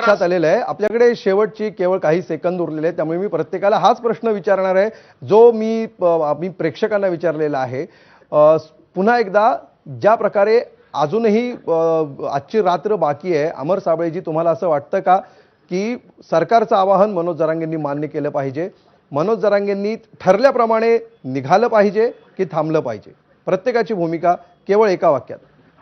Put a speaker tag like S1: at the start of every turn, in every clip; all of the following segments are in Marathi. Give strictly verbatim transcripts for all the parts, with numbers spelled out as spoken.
S1: लक्षात आलेलं आहे. आपल्याकडे शेवटची केवळ काही सेकंद उरलेले आहेत, त्यामुळे मी प्रत्येकाला हाच प्रश्न विचारणार आहे जो मी मी प्रेक्षकांना विचारलेला आहे. पुन्हा एकदा ज्या प्रकारे अजूनही आजची रात्र बाकी आहे, अमर साबळेजी, तुम्हाला असं वाटतं का की सरकारचं आवाहन मनोज जरांगेंनी मान्य केलं पाहिजे, मनोज जरांगेंनी ठरल्याप्रमाणे निघालं पाहिजे की थांबलं पाहिजे? प्रत्येकाची भूमिका केवळ एका वाक्यात.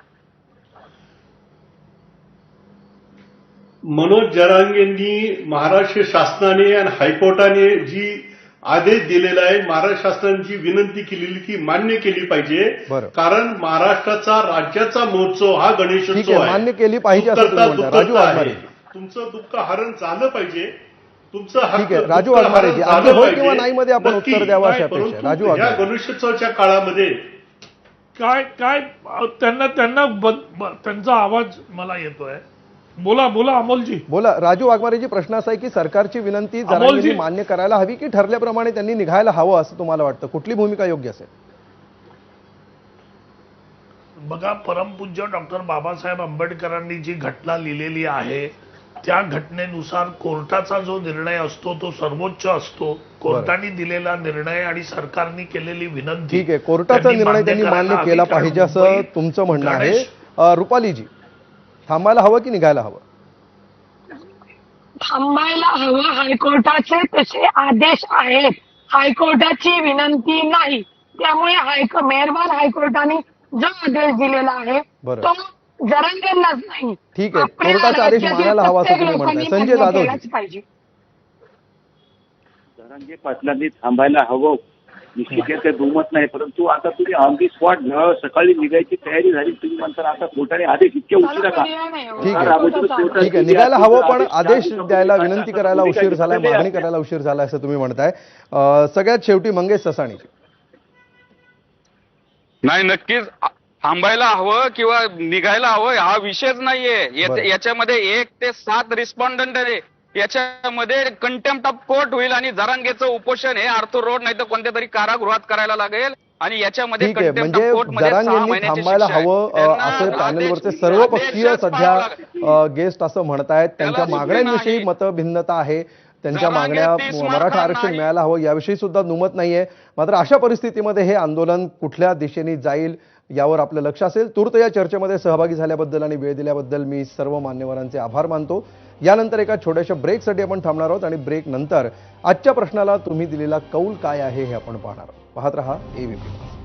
S2: मनोज जरांगेंनी महाराष्ट्र शासनाने आणि हायकोर्टाने जी आदेश दिलेला आहे, महाराष्ट्र शासनाची विनंती केलेली ती मान्य केली पाहिजे. कारण महाराष्ट्राचा राज्याचा महोत्सव हा गणेशोत्सव आहे,
S1: मान्य केली पाहिजे असं तुम्ही म्हणता. राजू वाघमारे,
S2: तुमचं दुःख हरण झालं पाहिजे, तुमचं
S1: ठीक आहे. राजू वाघमारे जी आपले हो किंवा नाही मध्ये आपण उत्तर द्यावं अशी अपेक्षा. राजू
S2: वाघमारे, या गणेशोत्सवाच्या काळामध्ये
S3: काय काय त्यांना त्यांना त्यांचा आवाज मला येतोय. बोला बोला अमोलजी.
S1: बोला. राजू वाघमारेजी, प्रश्न असा आहे की सरकारची विनंती जरांगेंनी मान्य करायला हवी की ठरल्याप्रमाणे त्यांनी निघायला हवं असं तुम्हाला वाटतं? कुठली भूमिका योग्य असेल?
S3: बघा, परमपूज्य डॉक्टर बाबासाहेब आंबेडकरांनी जी घटना लिहिलेली आहे त्या घटनेनुसार कोर्टाचा जो निर्णय असतो तो सर्वोच्च असतो. कोर्टाने दिलेला निर्णय आणि सरकारने केलेली विनंती,
S1: ठीक आहे, कोर्टाचा निर्णय त्यांनी मान्य केला पाहिजे असं तुमचं म्हणणं आहे. रुपालीजी, थांबायला हवं की निघायला हवं?
S4: थांबायला हवं. हायकोर्टाचे तसे आदेश आहेत, हायकोर्टाची विनंती नाही. त्यामुळे हायको मेहरबान हायकोर्टाने जो आदेश दिलेला आहे तो जरांगेंनाच नाही,
S1: ठीक आहे, कोर्टाचा आदेश मानायला हवा असं तुम्ही म्हणताय. संजय जाधव
S4: पाहिजे.
S5: जरांगे पाटलांनी थांबायला हवं, निश्चित ते दुमत नाही. परंतु आता तुम्ही ऑन दी स्पॉट सकाळी निघायची तयारी झाली, तुम्ही म्हणता आता कोर्टाने आदेश इतके उशिरा का?
S1: ठीक आहे, ठीक आहे, निघायला हवं पण आदेश द्यायला, विनंती करायला उशीर झालाय, मागणी करायला उशीर झाला असं तुम्ही म्हणताय. सगळ्यात शेवटी मंगेश ससाणी.
S6: नाही, नक्कीच थांबायला हवं किंवा निघायला हवं हा विषयच नाहीये. याच्यामध्ये एक ते सात रिस्पॉन्डंट आहे, याच्यामध्ये कंटेम्प्ट ऑफ कोर्ट होईल आणि जरांगेचं उपोषण हे आर्थर रोड नाही तर कोणत्या तरी कारागृहात करायला लागेल आणि याच्यामध्ये
S1: म्हणजे जरांगेंनी थांबायला हवं असं पॅनलवरचे सर्व पक्षीय सध्या गेस्ट असं म्हणतायत. त्यांच्या मागण्यांविषयी मतभिन्नता आहे, त्यांच्या मागण्या मराठा आरक्षण मिळायला हवं याविषयी सुद्धा दुमत नाहीये. मात्र अशा परिस्थितीमध्ये हे आंदोलन कुठल्या दिशेने जाईल यावर आपलं लक्ष असेल. तूर्त या चर्चेमध्ये सहभागी झाल्याबद्दल आणि वेळ दिल्याबद्दल मी सर्व मान्यवरांचे आभार मानतो. यानंतर एका छोट्याशा ब्रेकसाठी आपण थांबणार आहोत आणि ब्रेक नंतर आजच्या प्रश्नाला तुम्ही दिलेला कौल काय आहे हे आपण पाहणार आहोत. पाहत रहा एबीपी.